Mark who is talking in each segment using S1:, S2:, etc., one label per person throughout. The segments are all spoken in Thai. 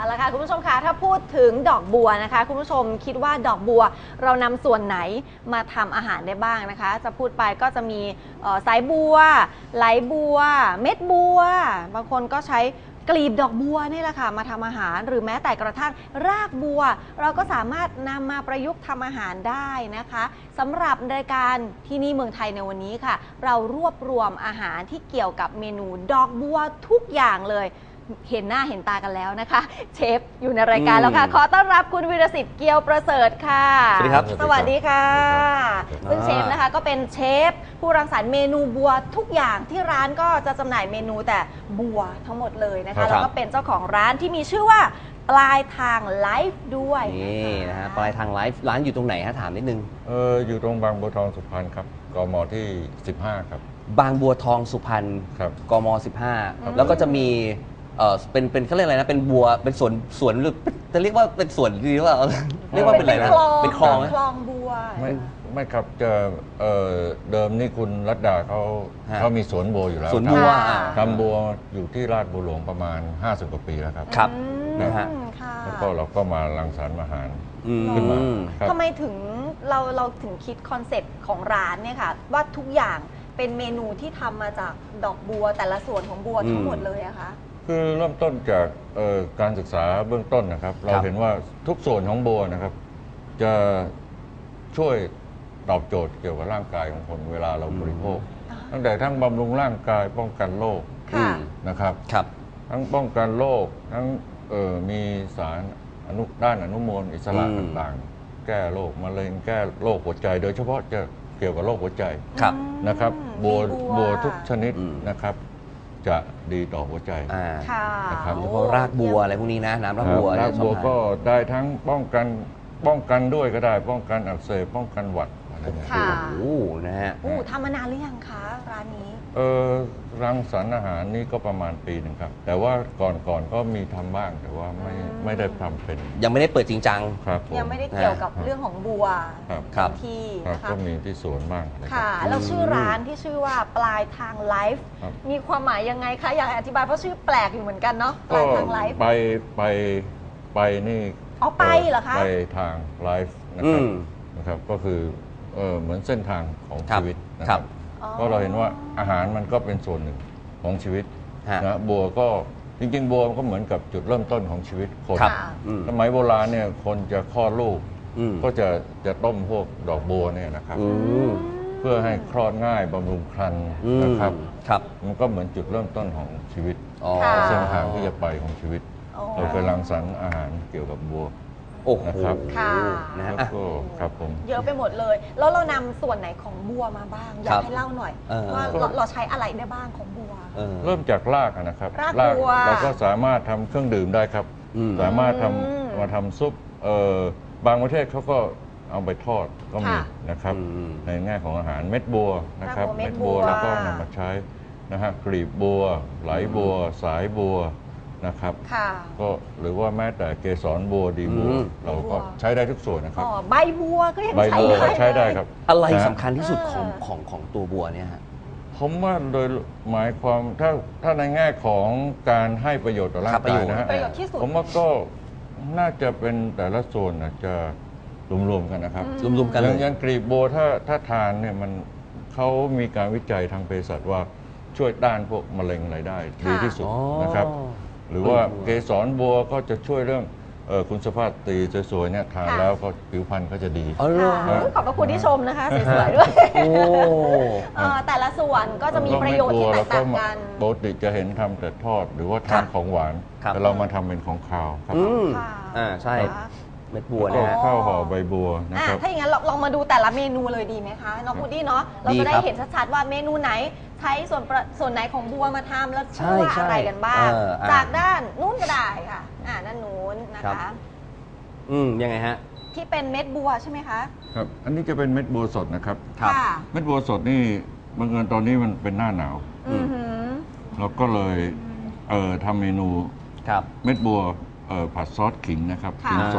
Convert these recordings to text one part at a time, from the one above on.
S1: เอาละค่ะคุณผู้ชมคะถ้าพูดถึงดอกบัวนะคะคุณผู้ชมคิดว่าดอกบัวเรานำส่วนไหนมาทำอาหารได้บ้างนะคะจะพูดไปก็จะมีสายบัวไหลบัวเม็ดบัวบางคนก็ใช้กลีบดอกบัวนี่แหละค่ะมาทำอาหารหรือแม้แต่กระทั่งรากบัวเราก็สามารถนำมาประยุกต์ทำอาหารได้นะคะสำหรับรายการที่นี่เมืองไทยในวันนี้ค่ะเรารวบรวมอาหารที่เกี่ยวกับเมนูดอกบัวทุกอย่างเลยเห็นหน้าเห็นตากันแล้วนะคะเชฟอยู่ในรายการแล้วค่ะขอต้อนรับคุณวีรศิษฐ์เกียวประเสริฐค่ะ
S2: สวัสดีครับ
S1: สวัสดีค่ะซึ่งเชฟนะคะก็เป็นเชฟผู้รังสรรค์เมนูบัวทุกอย่างที่ร้านก็จะจำหน่ายเมนูแต่บัวทั้งหมดเลยนะคะแล้วก็เป็นเจ้าของร้านที่มีชื่อว่าปลายทางไลฟ์ด้วย
S2: นี่นะฮะปลายทางไลฟ์ร้านอยู่ตรงไหนฮะถามนิดนึง
S3: อยู่ตรงบางบัวทองสุพรรณครับกมที่15ครับ
S2: บางบัวทองสุพรรณกม15แล้วก็จะมีเป็นเขาเรียกอะไรนะเป็นบัวเป็นสวนหรือจะเรียกว่าเป็นสวนดีหรือเปล่าเรียกว่าเป็นอะไรนะเป็นคลอง
S1: คลองบัว
S3: ไม่ครับจะเดิมนี่คุณรัตดาเขามีสวนบัวอยู่แล้ว
S2: สวนบัว
S3: ทำบัวอยู่ที่ราชบุรีหลวงประมาณ50กว่าปีแล้วครับ
S2: ครับ
S3: นะฮะแล้วก็เราก็มารังสรรค์อาหารขึ้นมา
S1: ทำไมถึงเราถึงคิดคอนเซ็ปต์ของร้านเนี่ยค่ะว่าทุกอย่างเป็นเมนูที่ทำมาจากดอกบัวแต่ละส่วนของบัวทั้งหมดเลยอะคะ
S3: คือเริ่มต้นจากการศึกษาเบื้องต้นนะครับเราเห็นว่าทุกส่วนของบัวนะครับจะช่วยตอบโจทย์เกี่ยวกับร่างกายของคนเวลาเราบริโภคตั้งแต่ทั้งบำรุงร่างกายป้องกันโรคนะครับทั้งป้องกันโรคทั้งมีสารด้านอนุมูลอิสระต่างๆแก้โรคมะเร็งแก้โรคหัวใจโดยเฉพาะจะเกี่ยวกับโรคหัวใจนะครับบัวทุกชนิดนะครับจะดีต่อหัวใจ
S2: นะครับเฉพาะรากบัวอะไรพวกนี้นะน้ำรากบัว
S3: รากบัวก็ได้ทั้งป้องกันด้วยก็ได้ป้องกันอักเสบป้องกันหวัดอะไรอย่างเงี้ย
S2: โอ้นะฮะ
S1: ทำมานานหรือยังคะร้านนี้
S3: รังสรรค์อาหารนี่ก็ประมาณปีหนึ่งครับแต่ว่าก่อนก็มีทำบ้างแต่ว่าไม่ได้ทำเป็น
S2: ยังไม่ได้เปิดจริงจัง
S3: ครับ
S1: ยังไม่ได้เกี่ยวกับเรื่องของบัวที่นะคะ
S3: ก็มีที่สวนบ้าง
S1: ค่ะแล้วชื่อร้านที่ชื่อว่าปลายทางไลฟ์มีความหมายยังไงคะอยากอธิบายเพราะชื่อแปลกอยู่เหมือนกันเนาะปลายทางไลฟ์
S3: ไปนี่
S1: ไปเหรอคะ
S3: ไปทางไลฟ์นะครับก็คือเหมือนเส้นทางของชีวิตนะครับก็เราเห็นว่าอาหารมันก็เป็นส่วนหนึ่งของชีวิตนะบัวก็จริงๆบัวก็เหมือนกับจุดเริ่มต้นของชีวิตคนสมัยโบราณเนี่ยคนจะคลอดลูกก็จะต้มพวกดอกบัวเนี่ยนะครับเพื่อให้คลอดง่ายบำรุงครรภ์นะครับมันก็เหมือนจุดเริ่มต้นของชีวิตเส้นทางที่จะไปของชีวิตเราเคยรังสรรค์อาหารเกี่ยวกับบัว
S2: นะครับ
S3: แล้วก็ครับผม
S1: เยอะไปหมดเลยแล้วเรานำส่วนไหนของบัวมาบ้างอยากให้เล่าหน่อยว่าเราใช้อะไรได้บ้างของบัว
S3: เริ่มจากรากนะครับ
S1: รากบัว
S3: เราก็สามารถทำเครื่องดื่มได้ครับสามารถมาทำซุปบางประเทศเขาก็เอาไปทอดก็มีนะครับในแง่ของอาหารเม็ดบัวนะครับเม็ดบัวแล้วก็นำมาใช้นะฮะกลีบบัวไหลบัวสายบัวนะครับก็หรือว่าแม้แต่เกสรบัวดีบัวเราก็ใช้ได้ทุกส่วนนะครับ
S1: ใบบัวก็ยัง
S3: ใช้ได้ครับ
S2: อะไรสำคัญที่สุดของตัวบัวเนี่ยฮะ
S3: ผมว่าโดยหมายความถ้าในแง่ของการให้ประโยชน์ต่อร่างกายนะฮะผมว่าก็น่าจะเป็นแต่ละส่วนจะรวมๆกันนะครับ
S2: รวมๆกัน
S3: อย่างกลีบบัวถ้าทานเนี่ยมันเขามีการวิจัยทางเภสัชว่าช่วยต้านพวกมะเร็งอะไรได้ดีที่สุดนะครับหรือว่าเกสรบัวก็จะช่วยเรื่องคุณสภาพตีสวยๆเนี่ยทานแล้วก็ผิวพรรณก็จะดี
S1: ขอบพระคุณที่ชมนะคะสวยๆด้วยแต่ละส่วนก็จะมีประโยชน์ที่แตกต่างกัน
S3: ปกติจะเห็นทำแต่ทอดหรือว่าทำของหวานแต่เรามาทำเป็นของคาวครับ
S2: ใช่เม็ดบัว
S3: นะข้าวห่อใบบัวนะครับ
S1: ถ้าอย่างนั้นลองมาดูแต่ละเมนูเลยดีไหมคะน้องพุดดี้เนาะเราจะได้เห็นชัดๆว่าเมนูไหนใช้ส่วนไหนของบัวมาทำแล้วชื่อว่าอะไรกันบ้างจากด้านนู้นก็ได้ค่ะด้านนู้นนะคะ
S2: ยังไงฮะ
S1: ที่เป็นเม็ดบัวใช่ไหมคะ
S3: ครับอันนี้จะเป็นเม็ดบัวสดนะครับเม็ดบัวสดนี่บังเอิญตอนนี้มันเป็นหน้าหนาวเราก็เลยทำเมนูเม็ดบัวผัดซอสขิงนะครับขิงสด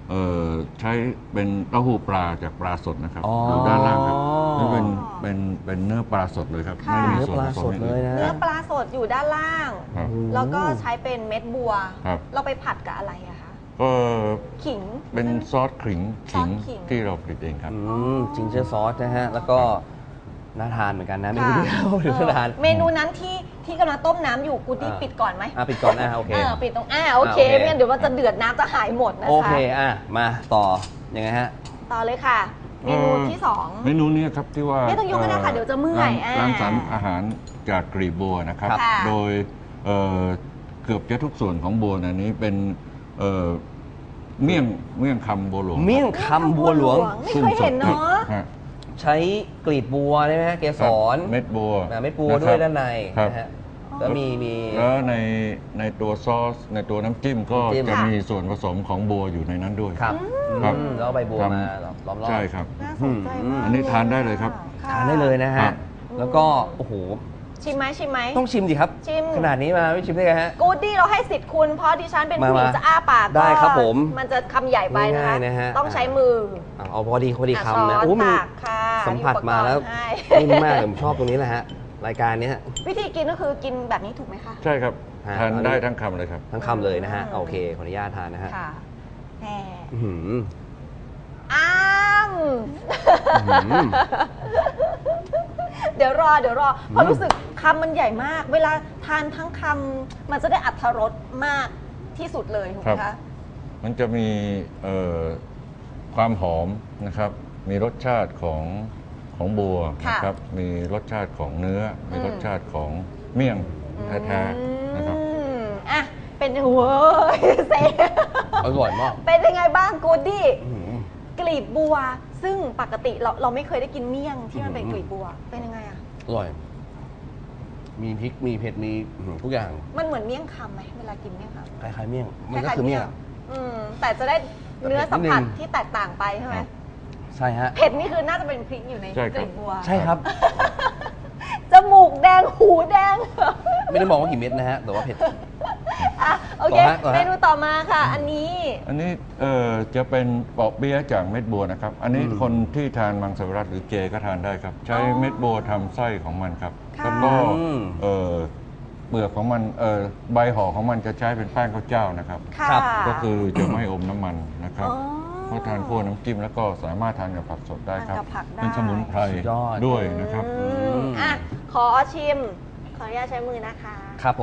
S3: ใช้เป็นเต้าหู้ปลาจากปลาสดนะครับ
S2: อ๋อ
S3: อ
S2: อยู่
S3: ด้านล่างครับนี่เป็นเนื้อปลาสดเลยครับ
S1: ค่ะ
S3: ไม่ได้มี
S2: เนื้อ
S3: ส่วน
S2: ปลา
S3: ผส
S2: ส
S3: ม
S2: ด
S3: อย่าง
S2: เลย
S3: อื่น
S2: นะ
S1: เนื้อปลาสดอยู่ด้านล่าง
S3: ครับ
S1: แล้วก็ใช้เป็นเม็ดบัว
S3: ครับ
S1: เราไปผัดกับอะไรอะคะ
S3: ก็
S1: ขิง
S3: เป็นซอสขิง
S1: ซอสขิง
S3: ที่เราผลิตเองครับ
S2: จิงเจอร์ซอสนะฮะ แล้วก็น่าทานเหมือนกันนะเมนู
S1: ค่ะ
S2: เดียวหรือน่าทาน
S1: เมนูนั้นที่กำลังต้มน้ำอยู่กูดี้ปิดก่อนไหม
S2: ปิดก่อนโอเค
S1: ปิดตรงโอเค
S2: โอเค
S1: ไม่งั้นเดี๋ยวมันจะเดือดน้ำจะหายหมดนะคะ
S2: โอเคมาต่อยังไงฮะ
S1: ต่อเลยค่ะ เมนูที่สอง
S3: เมนูนี้ครับที่ว่า
S1: ไม่ต้องยกก็ได้ค่ะเดี๋ยวจะเมื่อย
S3: ร้านสรรค์อาหารจากกลีบบัวนะครับ
S1: ค่ะ
S3: โดยเกือบจะทุกส่วนของบัวในนี้เป็นเมี่ยงคำบัวหลวง
S2: เมี่ยงคำบัวหลวง
S1: ไม่เคยเห็นเนาะ
S3: ฮะ
S2: ใช้กลีบบัวได้ไหมฮะเกสร
S3: เม็ดบัว
S2: เม็ดบัวด้วยด้านใน
S3: ครับ
S2: นะฮะแล้วมี
S3: แล้วในตัวซอสในตัวน้ำจิ้มก็
S2: น้ำจิ้ม
S3: จะมีส่วนผสมของบัวอยู่ในนั้นด้วย
S2: ครับ
S3: ครับ
S2: แล้วเอาใบบัว
S3: ครับ
S2: มาล้อมรอบ
S3: ใช่ครับ
S1: น่าสนใจมาก
S3: อันนี้ทานได้เลยครับ
S1: ค่ะ
S2: ทานได้เลยนะ
S3: ครั
S2: ฮะ
S3: บ
S2: แล้วก็โอ้โห
S1: ชิมไหมชิมไหม
S2: ต้องชิมดิครับ
S1: ชิม
S2: ขนาดนี้มาไม่ชิมได้ไงฮะ
S1: กูดี้เราให้สิทธิ์คุณเพราะดิฉันเป็นผู้หญิง
S2: มา
S1: จะอ้าปาก
S2: ได้ครับผม
S1: มันจะคำใหญ่ไปนะคะ
S2: ง่ายๆนะฮะ
S1: ต้องใช้มือ
S2: เอาพอดีคำนะ
S1: ช้อน
S2: โอ้มัน
S1: ตักค่ะ
S2: สัมผัสมาแล้ว
S1: มีอุปกรณ์ให้
S2: นิ่มมากผมชอบตรงนี้แหละฮะรายการนี้ฮะ
S1: วิธีกินก็คือกินแบบนี้ถูกไหมคะ
S3: ใช่ครับ
S2: ฮะ
S3: ทานได้ทั้งคำเลยครับ
S2: ทั้งคำเลยนะฮะโอเคขออนุญาตทานนะฮะ
S1: ค่ะแหม
S2: อื้อหือ
S1: อ้าม
S2: อื้อหือ
S1: เดี๋ยวรอเพราะรู้สึกคำมันใหญ่มาก เวลาทานทั้งคำมันจะได้อรรถรสมากที่สุดเลยถูกไหม
S3: ครั
S1: คะ
S3: บ มันจะมีความหอมนะครับ มีรสชาติของบัวนะครับ มีรสชาติของเนื้อ มีรสชาติของเมี่ยงแท้ๆนะครับ
S1: อ่ะเป็นเว้ยเซ
S2: อร่อยมาก
S1: เป็นยังไงบ้างกูดดี้
S2: อื้อหือก
S1: ลีบบัว ซึ่งปกติเราไม่เคยได้กินเมี่ยงที่มันเป็นกลีบบัว เป็นยังไงอะ
S2: อร่อย มีพริกมีเผ็ดมีทุกอย่าง
S1: มันเหมือนเมี่ยงคำไหมเวลากินเมี่ยงคำ
S2: คล้ายๆเมี่ยงมันก็
S1: ล้ายๆ
S2: คือเมี่ยง
S1: แต่จะได้เนื้อสัมผัส
S2: นิดนึง
S1: ที่แตกต่างไปใช่ไหม
S3: ครับ
S2: ใช่ฮะ
S1: เผ็ดนี่คือน่าจะเป็นพริกอยู่ใน
S3: ใช่
S1: ก
S3: ครับ
S1: ลีบบัว
S2: ใช่ครับ
S1: จมูกแดงหูแดง
S2: ไม่ได้บอกว่ากี่เม็ดนะฮะแต่ว่าเผ็ด
S1: อ่ะโอเค
S2: ต่อฮะ
S1: เมนูต่อมาค่ะ อันนี้
S3: อันนี้จะเป็นเปาะเปี๊ยะจากเม็ดบัวนะครับ อันนี้คนที่ทานมังสวิรัติหรือเจก็ทานได้ครับ ใช้เม็ดบัวทำไส้ของมันครับ
S1: ค่ะ
S3: แล้วก็เปลือกของมันใบห่อของมันจะใช้เป็นแป้งข้าวเจ้านะครับ
S1: ค่ะ
S2: ครับ
S3: ก็คือจะไม่อมน้ำมันนะครับ
S1: อ๋อ
S3: เพราะทานคู่น้ำจิ้มแล้วก็สามารถทานกับผักสดได้ครับ
S1: ทานกับผักได้
S3: เป็นสมุนไพร
S2: สุดยอด
S3: ด้วยนะครับ
S1: อ่ะขอชิม ขออนุญาตใช้มือนะคะ
S2: ครับผม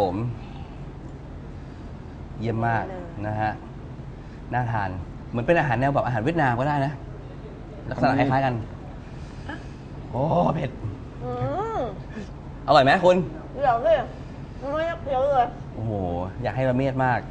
S2: เยี่ยมมาก
S1: เลย
S2: นะฮะ น่าทาน เหมือนเป็นอาหารแนวแบบอาหารเวียดนามก็ได้นะ ลักษณะคล้ายๆกัน โอ้เผ็ด
S1: อืม
S2: อร่อยไหมคุณ
S1: เดี๋ยวสิไม่อยากเคี้ยวเลย
S2: โอ้โห อยากให้ละเมียดมาก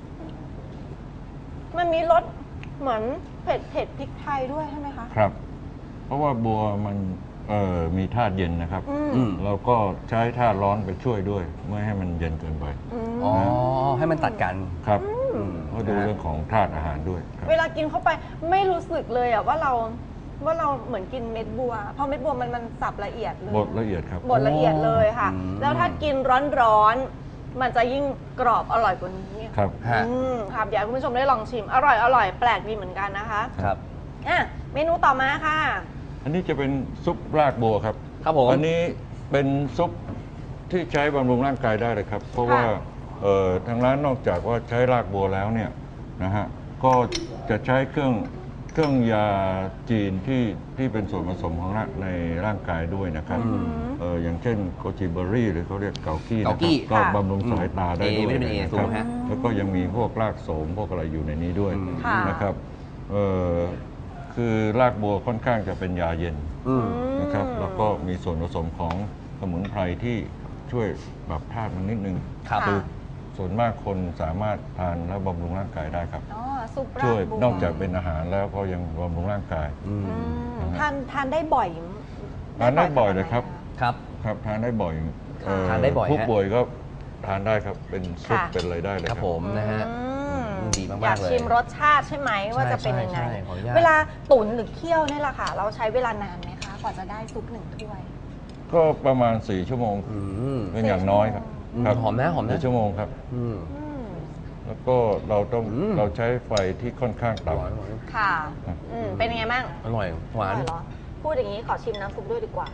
S1: มันมีรสเหมือนเผ็ดพริกไทยด้วยใช่ไหมคะ
S3: ครับ เพราะว่าบัวมันมีธาตุเย็นนะครับ
S2: อืม
S3: เราก็ใช้ธาตุร้อนไปช่วยด้วย ไม่ให้มันเย็นเกินไป
S2: อ๋อ ให้มันตัดกัน
S3: ครับ
S2: อืม
S3: ก็ดูเรื่องของธาตุอาหารด้วยครับ
S1: เวลากินเข้าไปไม่รู้สึกเลยอะว่าเราเหมือนกินเม็ดบัว เพราะเม็ดบัวมันสับละเอียดเลย
S3: บดละเอียดครับ
S1: บดละเอียดเลยค่ะ
S2: อืม
S1: แล้วถ้ากินร้อนๆ มันจะยิ่งกรอบอร่อยกว่านี้
S3: ครับ
S2: ฮะ
S1: ครับอยากให้คุณผู้ชมได้ลองชิม อร่อยแปลกดีเหมือนกันนะคะ
S2: ครับ
S1: อ่ะเมนูต่อมาค่ะ
S3: อันนี้จะเป็นซุปรากบัวครับ
S2: ครับผม
S3: อันนี้เป็นซุปที่ใช้บำรุงร่างกายได้เลยครับ เพราะว่าทางร้านนอกจากว่าใช้รากบัวแล้วเนี่ยนะฮะก็จะใช้เครื่องยาจีนที่เป็นส่วนผสมของในร่างกายด้วยนะครับ อย่างเช่นโกจิเบอรี่หรือเขาเรียกเกากี้นะค
S2: เกากี้
S3: รับก็บำรุงสายตาได้ด้วย
S2: วิตามิน A
S3: นะ
S2: สู
S3: ครั
S2: ง
S3: บ
S2: ฮะ
S3: แล้วก็ยังมีพวกรากโสมพวกอะไรอยู่ในนี้ด้วย
S1: ค่ะ
S3: นะครับคือรากบัวค่อนข้างจะเป็นยาเย็น
S2: อืม
S3: นะครับแล้วก็มีส่วนผสมของสมุนไพรที่ช่วยปรับธาตุมันนิดนึง
S2: ครับ
S3: อส่วนมากคนสามารถทานแล้วบำรุงร่างกายได้ครับ
S1: อ๋อซุปรา
S3: ช่วย
S1: กบัวน
S3: อกจากเป็นอาหารแล้วก็ยังบำรุงร่างกาย
S2: อืม
S1: ทานได้บ่อย
S3: ทานได้บ่อยเลยครับ
S2: ครับ
S3: ครับทานได้บ่อย
S2: ทานได้บ่อยฮะ
S3: ผู้ป่วยก็ทานได้ครับเป็นซุป
S1: ค่ะ
S3: เป็นอะไรได้เลย
S2: ค
S3: ค
S2: รั
S3: รั
S2: บบ ผมนะฮะ ดีมากๆ
S1: อยาก
S2: เลย
S1: ชิมรสชาติใช่ไหมว่าจะเป็นยังไง
S2: ใช่ขออนุญาต
S1: เวลาตุ๋นหรือเคี่ยวนี่แหละค่ะ เราใช้เวลานานไหมคะกว่าจะได้ซุปหนึ่งถ้วย
S3: ก็ประมาณ4 ชั่วโมง
S2: อืม
S3: เป็นอย่างน้อยครับ
S2: อืม
S3: ครับ
S2: หอมนะหอมนะ
S3: 4 ชั่วโมงครับ
S2: อืม
S1: อืม
S3: แล้วก็เราใช้ไฟที่ค่อนข้างต่ำ
S1: ค่ะเป็นยังไงบ้าง
S2: อร่อยหวาน
S1: อร่อยเหรอพูดอย่างนี้ขอชิมน้ำซุปด้วยดีกว่า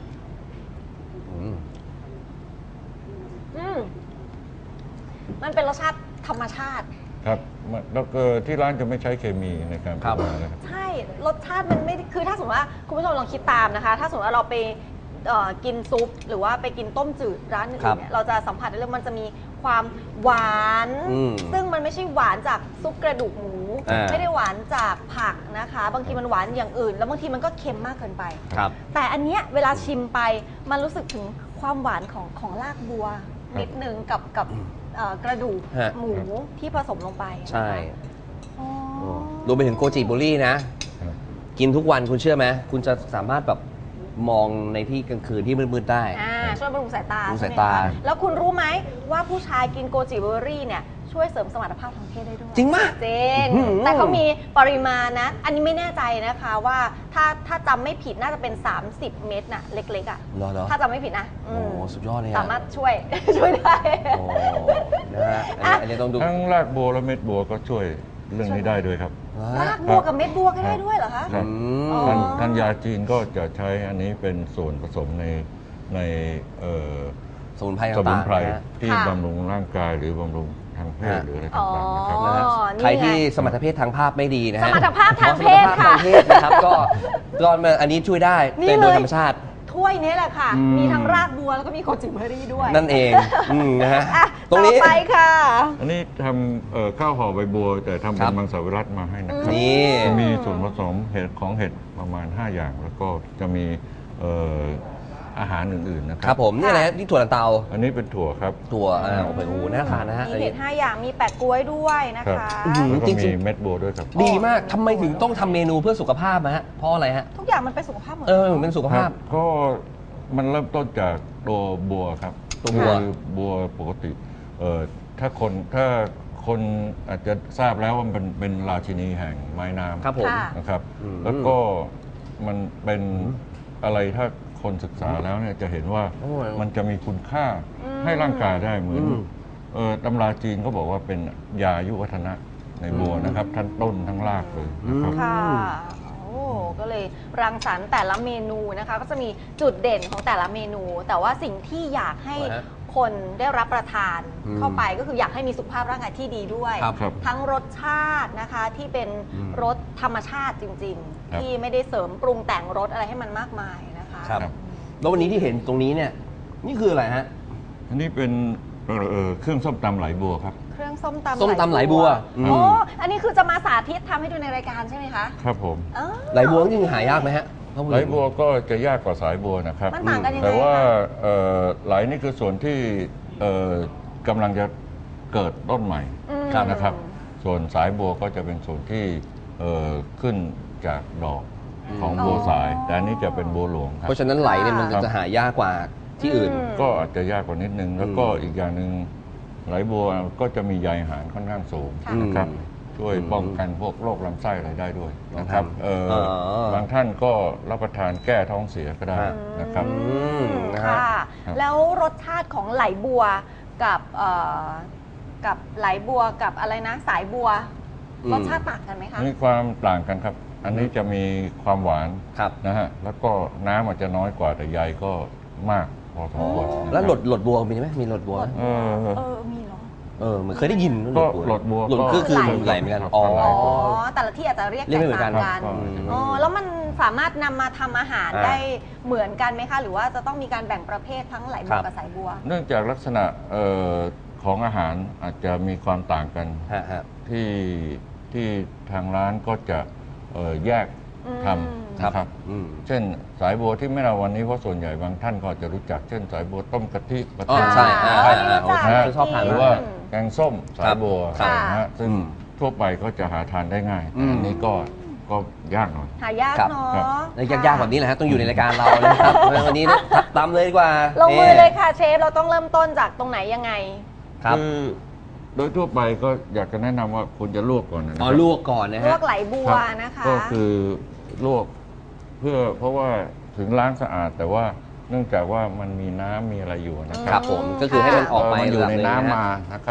S1: มันเป็นรสชาติธรรมชาติ
S3: ครับแล้วก็ที่ร้านจะไม่ใช้เคมีในการปรุงนะครับ
S1: ใช่รสชาติมันไม่คือถ้าสมมติว่าคุณผู้ชมลองคิดตามนะคะถ้าสมมติว่าเราไปกินซุปหรือว่าไปกินต้มจืดร้านอื่นเนี่ยเราจะสัมผัสได้เลยมันจะมีความหวานซึ่งมันไม่ใช่หวานจากซุปกระดูกหมูไม่ได้หวานจากผักนะคะบางทีมันหวานอย่างอื่นแล้วบางทีมันก็เค็มมากเกินไปแต่อันเนี้ยเวลาชิมไปมันรู้สึกถึงความหวานของรากบัวนิดนึงกับกระดูกหมูที่ผสมลงไป
S2: ใช่รวมไปถึงโกจิบุรี่นะกินทุกวันคุณเชื่อไหมคุณจะสามารถแบบมองในที่กลางคืนที่มืดๆได้
S1: ช่วยบำรุงสายตา
S2: บำรุงสายตา
S1: แล้วคุณรู้ไหมว่าผู้ชายกินโกจิเบอร์รี่เนี่ยช่วยเสริมสมรรถภาพทางเพศได้ด้วย
S2: จริงมาก
S1: จริงแต่เขามีปริมาณนะอันนี้ไม่แน่ใจนะคะว่าถ้าจำไม่ผิดน่าจะเป็น30 เม็ดน่ะเล็กๆอ่ะถ้าจำไม่ผิดนะ
S2: โอ้สุดยอดเลย
S1: สามารถช่วยได้
S2: นะฮะอันนี้ต้องดู
S3: ทั้งรากบัวและเม็ดบัวก็ช่วยเรื่องนี้ได้ด้วยครับ
S1: รากบัวกับเม็ดบัวก็ได้ด้วยเหรอคะ
S3: ทางยาจีนก็จะใช้อันนี้เป็นส่วนผสมใน
S2: สมุนไพร
S3: ที่บำรุงร่างกายหรือบำรุงทางเพศหรืออะไรต่างๆนะครับ
S2: ใครที่สมรรถภาพทางภาพไม่ดีนะฮะ
S1: สมรรถภาพทางเพศค่ะ
S2: นะครับก็อันนี้ช่วยได้เป็นโดยธรรมชาติ
S1: ถ้วยนี้แหละค่ะมีทั้งรากบัวแล้วก็มีโกจิเบอร์รี่ด้วย
S2: นั่นเองนะฮะ
S1: ตรงนี้ไปค่ะ
S3: อันนี้ทำข้าวห่อใบบัวแต่ทำเป็นมังสวิรัติมาให้นะครับ
S2: นี่
S3: มีส่วนผสมเห็ดประมาณ5 อย่างแล้วก็จะมีอาหารอื่นๆนะครับ
S2: ครับผมนี่อะไรที่ถั่วลันเตา
S3: อันนี้เป็นถั่วครับ
S2: ถั่วโอ้โหน่าทานนะฮะ
S1: มีเห็ด5 อย่างมีแปะกล้วยด้วยนะคะ
S3: แล้วก็มีเม็ดบัวด้วยครับ
S2: ดีมากทำไมถึงต้องทำเมนูเพื่อสุขภาพฮะเพราะอะไรฮะ
S1: ทุกอย่างมันเป็นสุขภาพหมด
S2: เป็นสุขภาพ
S3: ก็มันเริ่มต้นจากตัวบัวครับ
S2: ตัว
S3: บัวปกติถ้าคนอาจจะทราบแล้วว่ามันเป็นราชินีแห่งไม้น้ำ
S2: ครับผม
S3: นะครับแล้วก็มันเป็นอะไรถ้าคนศึกษาแล้วเนี่ยจะเห็นว่ามันจะมีคุณค่าให้ร่างกายได้เหมือนตำราจีนก็บอกว่าเป็นยายุวัฒนะในบัวนะครับทั้งต้นทั้งรากเลยนะครับ
S1: ก็เลยรังสรรค์แต่ละเมนูนะคะก็จะมีจุดเด่นของแต่ละเมนูแต่ว่าสิ่งที่อยากให้คนได้รับประทานเข้าไปก็คืออยากให้มีสุขภาพร่างกายที่ดีด้วยทั้งรสชาตินะคะที่เป็นรสธรรมชาติจริงๆที่ไม่ได้เสริมปรุงแต่งรสอะไรให้มันมากมายนะคะ
S2: แล้ววันนี้ที่เห็นตรงนี้เนี่ยนี่คืออะไรฮะ
S3: อันนี้เป็นเครื่องส้มตำไหลบัวครับ
S1: เครื่องส้มต
S2: ำไหลบัว
S1: อันนี้คือจะมาสาธิตทำให้ดูในรายการใช่ไหมคะ
S3: ครับผม
S2: ไหลบัวจริงหายากไหมฮะ
S3: ไหลบัวก็จะยากกว่าสายบัวนะครับ
S1: มันต่างกันยังไง
S3: แต่ว่าไหลนี่คือส่วนที่กำลังจะเกิดต้นใหม่นะครับส่วนสายบัวก็จะเป็นส่วนที่ขึ้นจากดอกของบัวสายแต่อันนี้จะเป็นบัวหลวงครับ
S2: เพราะฉะนั้นไหลเนี่ยมันจะหายากกว่าที่อื่น
S3: ก็อาจจะยากกว่านิดนึงแล้วก็อีกอย่างหนึ่งไหลบัวก็จะมีใยอาหารค่อนข้างสูงนะครับช่วยป้องกันพวกโรคลำไส้อะไรได้ด้วยนะครับบางท่านก็รับประทานแก้ท้องเสียก็ได้นะครับ
S1: ค่ะแล้วรสชาติของไหลบัวกับไหลบัวกับอะไรนะสายบัวรสชาติต่างกันไหมคะ
S3: มีความต่างกันครับอันนี้จะมีความหวานนะฮะแล้วก็น้ำอาจจะน้อยกว่าแต่ใยก็มากพอสมควร
S2: แล้วหลดบัวมีไหมมีหลดบัว
S1: มีเหรอ
S2: เหมือนเคยได้ยิน
S3: ก็หลดบัว
S2: ก็คือไหลเหมือนกัน
S1: แต่ละที่อาจจะเรียกแตกต่างกันแล้วมันสามารถนำมาทำอาหารได้เหมือนกันไหมคะหรือว่าจะต้องมีการแบ่งประเภททั้งไหลบัวกับสายบัว
S3: เนื่องจากลักษณะของอาหารอาจจะมีความต่างกันที่ทางร้านก็จะแยกทำนะครับเช่นสายบัวที่ไม่เราวันนี้เพราะส่วนใหญ่บางท่านก็จะรู้จักเช่นสายบัวต้มกะทิปะทิ
S2: ใช่
S3: ชอบทานหรือว่าแกงส้มสายบัวนะฮะซึ่งทั่วไปก็จะหาทานได้ง่ายแต่อันนี้ก็ยากหน่อย
S1: หายากเนาะ
S2: ยากแบบนี้แหละฮะต้องอยู่ในรายการเรานะครับวันนี้ตำเลยดีกว่า
S1: ลงมือเลยค่ะเชฟเราต้องเริ่มต้นจากตรงไหนยังไง
S3: คือโดยทั่วไปก็อยากจะแนะนำว่าคุณจะลวกก่อนนะครับ
S2: ลวกก่อนนะฮะ
S1: ลวกไหลบัวนะคะ
S3: ก็คือลวกเพราะว่าถึงล้างสะอาดแต่ว่าเนื่องจากว่ามันมีน้ำมีอะไรอยู่นะครับ
S2: ผมก็คือให้มันออกไป
S3: อยู่ในน้ำมานะครับ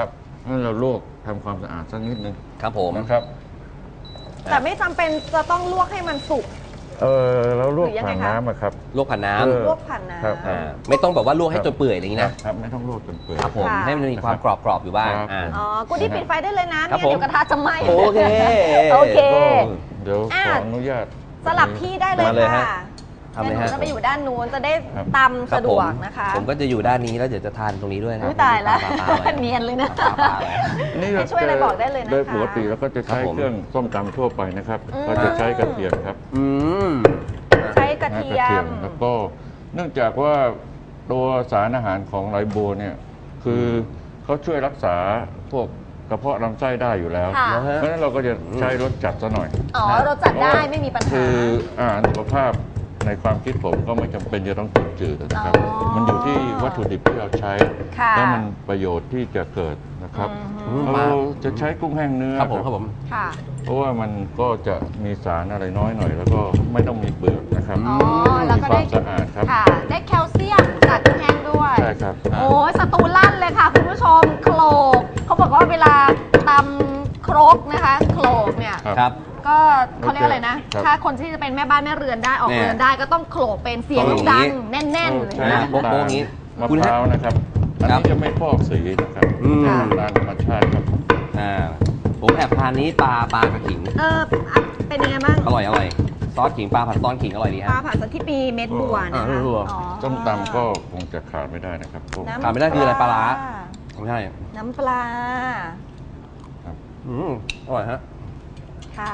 S3: ให้เราลวกทำความสะอาดสักนิดนึง
S2: ครับผม
S3: นะครับ
S1: แต่ไม่จำเป็นจะต้องลวกให้มันสุก
S3: เราลวก
S1: หรือยังไง
S3: ผ่าน
S1: คะ
S3: น้ำอะครับ
S2: ลวกผ่านน้
S1: ลวกผ่านน้
S3: ครับ
S2: ไม่ต้องแบบว่าลวกให้จนเปื่อยอะไรอย่างนี้นะ
S3: ครับไม่ต้องลวกจนเปื่อย
S2: ครับผม
S1: ค่ะ
S2: ให้มันมีความกรอบๆอยู่บ้าง
S3: ครับ
S1: ำอ๋อกูดี้ปิดไฟได้เลยนะ
S2: ครั
S1: เนี่
S2: บ
S1: ย
S2: ผม
S1: เดี๋ยวกระทะจะไหม้
S2: โอเค
S1: โอเค
S3: ก็เดี๋ยว
S1: อ่ะ
S3: ขออนุญาต
S1: สลับที่ได้เลย
S2: มาเลยฮะ
S1: ค่ะ
S2: ทำเลย
S1: เดี๋ยวห
S2: ฮะ
S1: นูจะไปอยู่ด้านนู้นจะได้
S3: ครับ
S1: ตำสะดวกนะคะ
S2: ผมก็จะอยู่ด้านนี้แล้วเดี๋ยวจะทานตรงนี้ด้วยนะ
S1: อุ๊ยตายแล้ว
S2: ปาๆไว้
S1: เนียนเลยนะ
S2: ปาๆไว้
S3: นี่
S1: ให้ช่วยอะไรบอกได้เลยนะคะ
S3: โดยปกติเราก็จะใช้
S2: ครับผม
S3: เครื่องส้มตำทั่วไปนะครับ
S1: อืม
S3: ก็จะใช้กระเทียมครับ
S2: อืม
S1: ใช้กระเทียม
S3: แล้วก็เนื่องจากว่าตัวสารอาหารของไหลบัวเนี่ยคือเขาช่วยรักษาพวกกระเพาะลำไส้ได้อยู่แล้ว
S1: ค่ะ
S3: เพราะฉะนั้นเราก็จะใช้รสจัดซะหน่อย
S1: อ๋อเราจัดได้ไม่มีปัญหา
S3: คืออาหารสุขภาพในความคิดผมก็ไม่จำเป็นจะต้องจืดๆนะครับ
S1: อ๋อ
S3: มันอยู่ที่วัตถุดิบที่เราใช้
S1: ค่ะ
S3: แล้วมันประโยชน์ที่จะเกิดนะครับ
S1: อืม
S3: เราจะใช้กุ้งแห้งเนื้อ
S2: ครับผมครับผม
S1: ค่ะ
S3: เพราะว่ามันก็จะมีสารอะไรน้อยหน่อย แล้วก็ไม่ต้องมีเปลือกนะครับ
S1: อ๋อแล้ว
S3: มี
S1: ก็
S3: ควา
S1: ได้
S3: มสะอาดครับ
S1: ค่ะ ได้แคลเซียมจากกุ้งแห้งด้วย
S3: ใช่ครับ
S1: โอ้ยสตูลั่นเลยค่ะคุณผู้ชมโคลกเขาบอกว่าเวลาตำครกนะคะโคลกเนี่ย
S2: ครับ
S1: ก็เขาเรียกอะไรนะ
S3: ครับ
S1: ถ้าคนที่จะเป็นแม่บ้านแม่เรือนได้ออก
S2: เนี่ย
S1: เรือนได้ก็ต้องโขลกเป็นเสียง
S2: ต้องอย่างนี้
S1: ดังแน่นๆเลย
S3: ใช้
S1: นะ
S2: โบ๊ะโบ๊ะอย่างนี้
S3: มะ
S2: คุณ
S3: พ
S2: ฮะ
S3: ร้าวนะครับอัน
S2: ครับ
S3: นี้จะไม่ฟอกสีนะครับ
S2: อืม
S1: ค่ะ
S3: ตามธรรมชาติครับ
S2: ผมแอบทานนี้ปลากระขิง
S1: อ่ะเป็นยังไงบ้าง
S2: อร่อยซอสขิงปลาผัดซอสขิงอร่อยดี
S1: ป
S2: ฮะ
S1: ลาผัดสะที่ปีเม็ดบัวนะคะ
S2: อ่าบัว
S1: อ๋อ
S3: ส้มตำก็คงจะขาดไม่ได้นะครับพวก
S1: น้ำ
S2: ขาดไม่ได้คืออะไรปลาร้า ไม่ใช่
S1: น้ำปลา
S3: ครับ
S2: อร่อยฮะ
S1: ค่ะ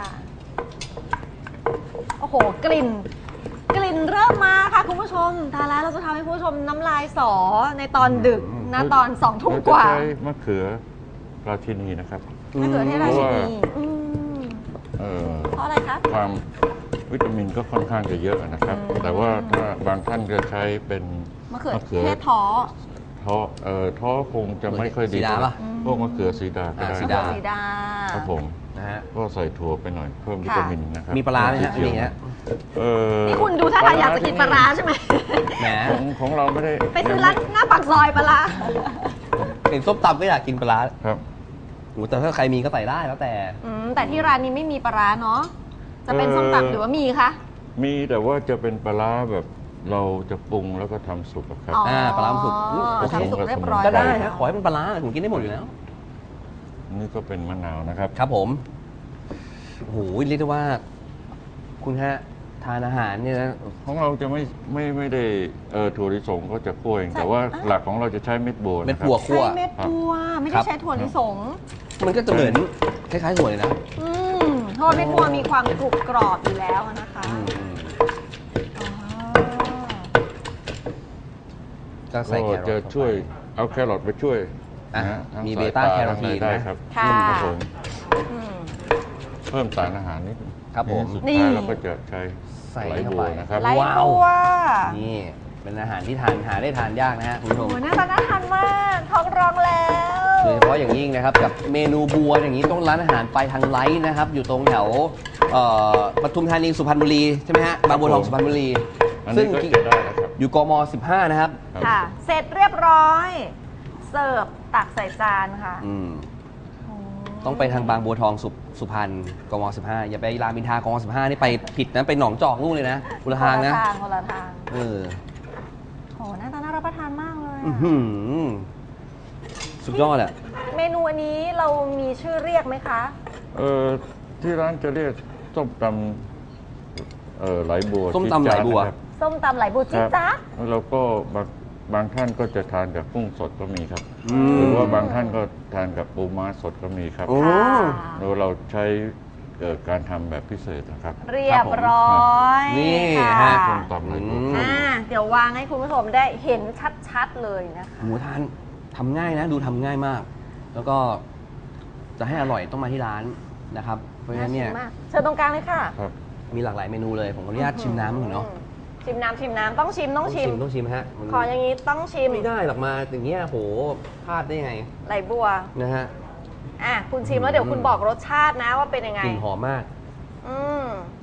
S1: โอ้โห กลิ่นเริ่มมาค่ะคุณผู้ชมทานแล้วเราจะทำให้คุณผู้ชมน้ำลายสอในตอนดึกนะตอน2 ทุ่มกว่า
S3: เรจะใช้มะเขือราชินีนะครับ
S1: มะเขือเทศราชินีอืม
S3: เอ่อ
S1: เพราะอะไรคะ
S3: ความวิตามินก็ค่อนข้างจะเยอะนะครับ
S1: อืม
S3: แต่ว่าถ้าบางท่านจะใช้เป็น
S1: มะเขือเทศท้อ
S3: ท้อคงจะไม่ค่อยดี
S2: สีดาป่ะ
S3: พวกมะเขือสีดาก็ได้
S2: สี
S1: มะ
S2: ดา
S1: เขือสีดา
S3: ครับผม
S2: นะฮะ
S3: ก็ใส่ถั่วไปหน่อยเพิ่มวิตามินนะครับ
S2: มีปลาร้าไหมฮะ
S3: สีเขียว
S2: มีฮะ
S1: นี่คุณดูท่าทางอยากจะกินปลาร้าใช่ไหม
S2: แหม
S3: ของเราไม่ได้
S1: ไปซื้อร้านหน้าปากซอยปลาร้า
S2: เห็นส้มตำก็อยากกินปลาร้า
S3: ครับ
S2: โอ้แต่ถ้าใครมีก็ใส่ได้แล้วแต่
S1: แต่ที่ร้านนี้ไม่มีปลาร้าเนาะ จะเป็นส้มตำหรือว่ามีคะ
S3: มีแต่ว่าจะเป็นปลาร้าแบบเราจะปรุงแล้วก็ทำสุกอะครับ
S1: อ๋อ
S2: ปลาร้าสุกโอเค
S1: ทำสุกเรียบร้อย
S2: ก็ได้
S1: แล้ว
S2: ฮะขอให้เป็นปลาร้าผมกินได้หมดอยู่แล้ว
S3: นี่ก็เป็นมะนาวนะครับ
S2: ครับผมโอ้โหเรียกได้ว่า คุณฮะทานอาหารเนี่ยนะ
S3: ของเราจะไม่ได้ถั่วลิสงก็จะคั่วเองแต่ว่าหลักของเราจะใช้เม็ดบัว
S2: เม็ด
S3: นะครับ
S2: บัวคั่ว
S1: ใช้เม็ดบัวไม่
S2: ครั
S1: ได้
S2: บ
S1: ใช้ถั่วลิสง
S2: มันก็จะเหมือนคล้ายๆถั่วเลยนะ
S1: เพราะว่าเม็ดบัวมีความกรุบกรอบอยู่แล้วนะคะ
S2: อืม
S1: อ๋อ
S2: ก็ใส่
S3: ก็
S2: แครอท
S3: จะช่วยเอาแครอทไปช่วย
S2: อ่ะ
S3: นะฮะทั้ง
S2: มี
S3: สย
S2: เบต้า
S3: ต
S2: แคโรทีน
S3: ทั้งอะไรได้
S2: นะครับ
S1: ค่ะ
S3: ครับผม
S1: อืม
S3: เพิ่มสารอาหารนิดนึง
S2: ครับผม
S3: สุด
S1: นี่
S3: ท้ายเราก็จะใช้
S2: ใส่
S3: ไหล
S2: เข้า
S3: บัว
S2: ไป
S3: นะครับ
S1: ไล่
S2: ว้าว
S1: บัว
S2: นี่เป็นอาหารที่ทานหาได้ทานยากนะฮะคุณผู้ช
S1: โอ้
S2: ม
S1: โหหน้าตาน่าทานมากท้องร้องแล้ว
S2: โดยเฉพาะอย่างยิ่งนะครับกับเมนูบัวอย่างนี้ต้องร้านอาหารไปทางไลท์นะครับ อยู่ตรงแถวปทุมธานีสุพรรณบุรีใช่ไหมฮะบางบัวทองสุพรรณบุรี
S3: อัน
S2: ซึ่
S3: นี้
S2: ง
S3: ก็จะได้แล้วครับ
S2: อยู่กม 15 นะครับ
S3: ครับ
S1: ค่ะ เสร็จเรียบร้อย เสิร์ฟตักใส่จานค่ะ โอ้
S2: ต้องไปทางบางบัวทองสุพรรณกม 15 อย่าไปรามอินทรากม 15 นี่ไปผิดนะไปหนองจอกนู่นเลยนะคนละทางนะ
S1: คนละทาง
S2: เออ
S1: โอ้หน้าตาน่ารับประทานมากเลย
S2: อื้อ
S1: อะ
S2: หือสุดยอดอะ
S1: เมนูอันนี้เรามีชื่อเรียกไหมคะ
S3: ที่ร้านจะเรียกส้มตำไหลบัว
S2: ส้มตำไหลบัว
S3: จี๊ดจ๊าดนะครับ
S1: ส้มตำไหลบัวจิ๊ดจ๊าด
S3: แล้วก็บางท่านก็จะทานกับกุ้งสดก็มีครับ
S2: อืม
S3: หรือว่าบางท่านก็ทานกับปูม้าสดก็มีครับ
S2: โอ้
S3: โดยเราใช้การทำแบบพิเศษนะครับ
S1: เรียบร้อย
S2: นี่
S1: ค่ะ
S2: ฮะ
S3: ส้มตำไหลบัวครับ
S1: เดี๋ยววางให้คุณผู้ชมได้เห็นชัดๆเลยนะคะ
S2: หมูทานทำง่ายนะ ดูทำง่ายมาก แล้วก็จะให้อร่อยต้องมาที่ร้านนะครับ เพราะฉะนั้นเนี่ย
S1: าชิมมากเชิญตรงกลางเลยค่ะ
S3: ครับ
S2: มีหลากหลายเมนูเลย ผมขออนุญาตชิมน้ำก่อนเนาะ
S1: ชิมน้ำต้องชิม
S2: ต้องชิมฮะมัน
S1: ขออย่างนี้ต้องชิม
S2: ไม่ได้หรอกมาอย่างเงี้ยโหพลาดได้ไง
S1: ไหลบัว
S2: นะฮะ
S1: คุณชิมแล้วเดี๋ยวคุณบอกรสชาตินะว่าเป็นยังไง
S2: กลิ่นหอมมาก
S1: อืม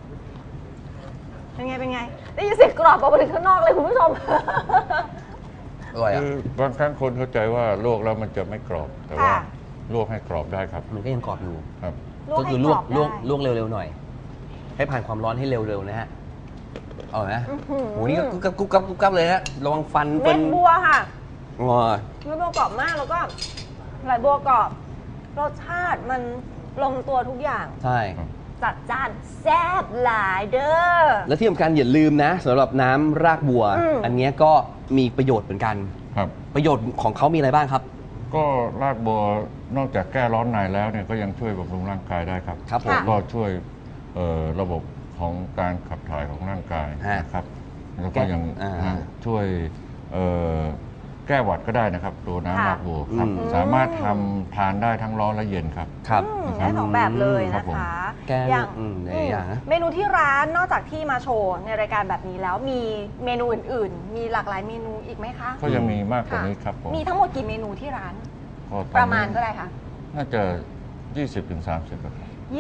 S1: เป็นไงได้ยินเสียงกรอบออกมาถึงข้างนอกเลยคุณผู้ชม
S2: อร่อยอ่ะ
S3: คือบางครั้งคนเข้าใจว่าลวกแล้วมันจะไม่กรอบ แต่ว่า
S1: ค่ะ
S3: ลวกให้กรอบได้ครับ
S2: มันก็ยังกรอบอยู่
S3: ครับ
S2: ก็คือลวก
S1: ให้รอบได้
S2: ลวกเร็วๆหน่อย ให้ผ่านความร้อนให้เร็วๆนะฮะเอาไหม
S1: อื้อหือ
S2: โหนี่ก็กุ๊บกับเลยฮะระวังฟัน
S1: เม็ดบัวค่ะ
S2: งอ
S1: เม็ดบัวกรอบมากแล้วก็ไหลบัวกรอบรสชาติมันลงตัวทุกอย่าง
S2: ใช่
S1: จัดจ้านแซ่บหลายเด้อ
S2: และที่สำคัญอย่าลืมนะสำหรับน้ำรากบัว อันเนี้ยก็มีประโยชน์เหมือนกัน
S3: ครับ
S2: ประโยชน์ของเขามีอะไรบ้างครับ
S3: ก็รากบัวนอกจากแก้ร้อนในแล้วเนี่ยก็ยังช่วยบำรุงร่างกายได้ครับ
S2: ครับผม
S3: แล้วก็ช่วยระบบของการขับถ่ายของร่างกาย
S2: ฮะ
S3: นะครับแล้วก็ยัง
S2: อ่า
S3: ช่วยแก้หวัดก็ได้นะครับ ตัวน้ำรากบัวครับ
S2: อืม
S3: สามารถทำทานได้ทั้งร้อนและเย็นครับ
S2: ครับ
S1: ได้สองแบบเลย
S3: ครั
S1: นะ
S3: บผม
S1: คะ
S2: แกงหลายอย่างนะ
S1: เมนูที่ร้านนอกจากที่มาโชว์ในรายการแบบนี้แล้วมีเมนูอื่นๆ มีหลากหลายเมนูอีกไหมคะ
S3: ก็ยังมีมากกว่านี้ครับผม
S1: มีทั้งหมดกี่เมนูที่ร้าน
S3: ก็ตอนนี้
S1: ประมาณก็ได้ค่ะ
S3: น่าจะ 20-30ครับ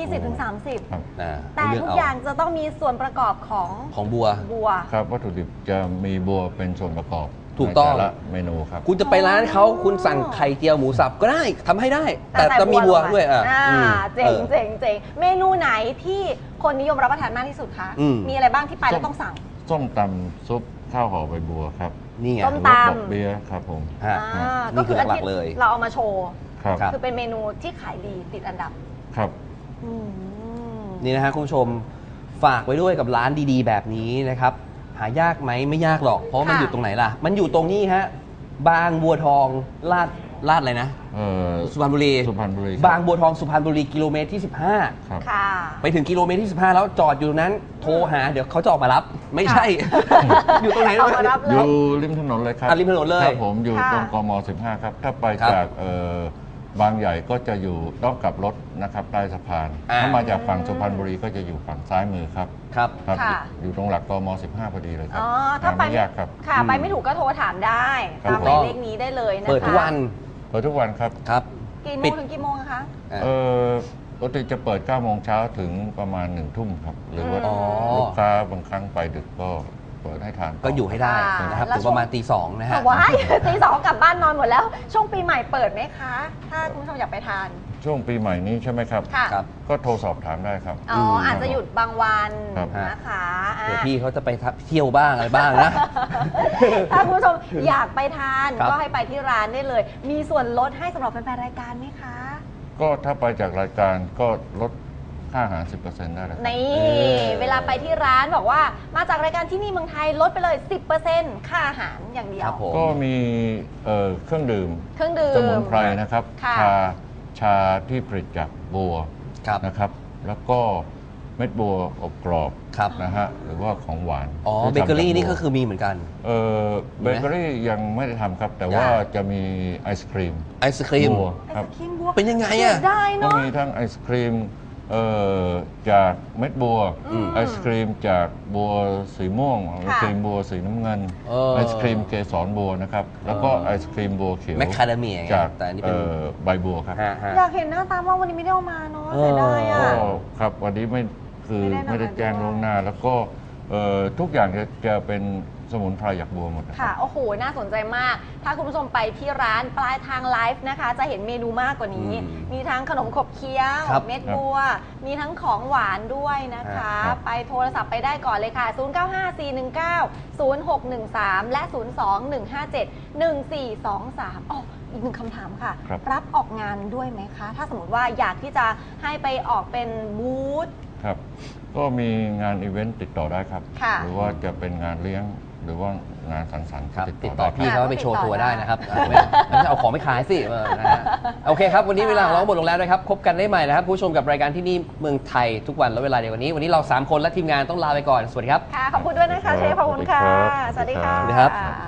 S1: 20-30
S3: ครับ
S1: แต่
S2: เลื
S1: ทุก
S2: เ
S1: อย่างจะต้องมีส่วนประกอบของ
S2: ของบัว
S1: บัว
S3: ครับวัตถุดิบจะมีบัวเป็นส่วนประกอบ
S2: ถูกต้อง
S3: ในแต่ละเมนูครับ
S2: คุณจะไปร้านเขาคุณสั่งไข่เจียวหมูสับก็ได้ทำให้ได้ แต่
S1: ใส่
S2: จะมีบัว
S1: ลงไป
S2: ด้วยอืม
S1: เจ๋ง
S2: ออ
S1: เจ๋งเจ๋งเมนูไหนที่คนนิยมรับประทานมากที่สุดคะ
S2: อืม
S1: มีอะไรบ้างที่ไปแล้วต้องสั่ง
S3: ส้มตำซุปข้าวห่อใบบัวครับ
S2: นี่ไง
S1: ส้ม
S3: หรือว่า
S1: ตำ
S3: ดอกเบี้ยครับผม
S2: ฮะ
S1: ก็
S2: นี่คือหลักๆเลย
S1: เราเอามาโชว์
S3: ครับ
S2: ครับ
S1: คือเป็นเมนูที่ขายดีติดอันดับ
S3: ครับ
S1: อืม
S2: นี่นะฮะคุณผู้ชมฝากไว้ด้วยกับร้านดีๆ แบบนี้นะครับ หายากไหมไม่ยากหรอก เพราะว่ามัน
S1: ค่ะ
S2: อยู่ตรงไหนล่ะ มันอยู่ตรงนี้ฮะบางบัวทองลาดอะไรนะ สุพรรณบุรี
S3: สุพรรณบุรี
S2: บางบัวทองสุพรรณบุรีกิโลเมตรที่
S3: ครับ
S1: ค่ะ
S2: 15 ไปถึงกิโลเมตรที่ 15 แล้วจอดอยู่นั้นโทรหาเดี๋ยวเขาจะออกมารับ ไม่ใช่ อยู่ตรงไหน
S1: ออกมารับ
S3: อยู่ริมถนนเลยครับ
S2: ริมถนนเลย
S3: ครับผมอยู่
S1: ค่ะ
S3: ตรงกม 15 ครับ ถ้าไป
S2: ครับ
S3: จากบางใหญ่ก็จะอยู่ต้องกลับรถนะครับใต้สะพาน ถ้ามาจากฝั่งสุพรรณบุรีก็จะอยู่ฝั่งซ้ายมือครับ
S2: ครับ
S3: ครับ
S1: ค่ะ
S3: อยู่ตรงหลักกม 15 พอดีเลยครับ
S1: อ๋อถ้าไป
S3: ไม่ยากครับ
S1: ค่ะ ไปไม่ถูกก็โทรถามได้
S3: ครับ
S1: ตามหมายเลขนี้ได้เลยนะคะ
S2: เปิดทุกวัน
S3: เปิดทุกวันครับ
S2: ครับ
S1: กี่โม
S2: ปิ
S1: ง
S2: ด
S1: ถึงกี่โมงอะคะ
S3: ปกติจะเปิด 9 โมงเช้าถึงประมาณ 1 ทุ่มครับ หรือว่า
S2: อ๋อ
S3: ลูกค้าบางครั้งไปดึกก็เปิดให้ทานต่
S2: ก็อยู่ให้ได้
S1: ค่ะ
S2: นะครับ
S1: แล้ว
S2: ถึงประมาณตี 2นะฮะ
S1: ว้าย ตีสองกลับบ้านนอนหมดแล้ว ช่วงปีใหม่เปิดไหมคะ ถ้าคุณผู้ชมอยากไปทาน
S3: ช่วงปีใหม่นี้ใช่ไหมครับ
S1: ค่ะ
S2: ครับ
S3: ก็โทรสอบถามได้ครับ
S1: อ๋ออาจจะหยุดบางวัน
S3: ครับ
S1: นะคะอ่ะ
S2: เดี๋ยวพี่เขาจะไปเที่ยวบ้างอะไรบ้างนะ
S1: ถ้าคุณผู้ชมอยากไปทาน
S2: ครับ
S1: ก็ให้ไปที่ร้านได้เลย มีส่วนลดให้สำหรับแฟนๆรายการไหมคะ
S3: ก็ถ้าไปจากรายการก็ลดค่าอาหาร 10%ได้เลยครับ
S1: นี่ เวลาไปที่ร้านบอกว่ามาจากรายการที่นี่เมืองไทยลดไปเลย 10%ค่าอาหารอย่างเดีย
S2: คว รับผม
S3: ก็มีเครื่องดื่ม
S1: เครื่องดื่ม
S3: สมุนไพรนะครับ
S1: ค่ะ
S3: ชาที่ผลิตจากบัว
S2: ครับ
S3: นะครับ แล้วก็เม็ดบัวอบกรอบ
S2: ครับ
S3: นะฮะหรือว่าของหวาน
S2: อ๋อ
S3: ที่
S2: เบเกอรี่
S3: ทำจากบัว
S2: นี่ก็คือมีเหมือนกัน
S3: เบเกอรี่ยังไม่ได้ทำครับ แต่ว่าจะมีไอศครีม
S2: ไอศครีม
S3: บัว
S1: ไอ
S3: ครับ
S1: ศครีมบัว
S2: เป็นยังไงอะ
S1: เสีได้
S3: ก็
S1: เนาะ
S3: มีทั้งไอศครีมจากเม็ดบัว
S1: อืม
S3: ไอศครีมจากบัวสีม่วงไอศครีมบัวสีน้ำเงิน ไอศครีมเกสรบัวนะครับ แล้วก็ไอศครีมบัวเขียว
S2: แมคคาเดเมียไง
S3: จาก
S2: แต่อันนี้เป็น
S3: ใบบัวครับ
S2: ฮะ
S1: อยากเห็นหน้าตามากวันนี้ไม่ได้เอามาเนาะ
S2: เออ
S1: เสียดายอ่ะ
S3: ก็ครับวันนี้ไม่
S1: ไม่
S3: ไม่
S1: ได้
S3: ได้แจ้ง
S1: มาด้วย
S3: ล่วงหน้า แล้วก็ทุกอย่างจะเป็นสมุนไพรจากบัวหมดนะค
S1: ค่ะ
S3: รับ
S1: โอ้โห น่าสนใจมาก ถ้าคุณผู้ชมไปที่ร้านปลายทางไลฟ์นะคะ จะเห็นเมนูมากกว่านี้
S2: อืม
S1: มีทั้งขนมขบเคี้ยว
S2: ครับ
S1: เม็ดบัว มีทั้งของหวานด้วยนะคะ
S3: ครับ
S1: ไปโทรศัพท์ไปได้ก่อนเลยค่ะ 0954190613 และ 02-157-1423อ๋ออีกหนึ่งคำถามค่ะ
S3: ครับ
S1: รับออกงานด้วยไหมคะ ถ้าสมมติว่าอยากที่จะให้ไปออกเป็นบูธ
S3: ครับ ก็มีงานอีเวนต์ติดต่อได้ครับ
S1: ค่ะ
S3: หรือว่าจะเป็นงานเลี้ยงหรือว่างานสังสรรค์
S2: ครับ
S3: ก็
S2: ติด
S3: ได้
S2: ต่อ
S3: ค
S2: พี่
S3: รับ
S2: เขาไปโชว์ตัวได้นะครับไม่ใช่เอาของไปขายสินะฮะโอเคครับ วันนี้เวลาของเราหมดลงแล้วนะครับ พบกันได้ใหม่นะครับ ผู้ชมกับรายการที่นี่เมืองไทยทุกวันและเวลาเดียวกันนี้ วันนี้เรา 3 คนและทีมงานต้องลาไปก่อน สวัสดีครับ
S1: ค่ะ ขอบคุณด้วยนะคะเชฟ ขอบคุณค่ะ สวัสดีค่ะ
S2: สวัสดีครับ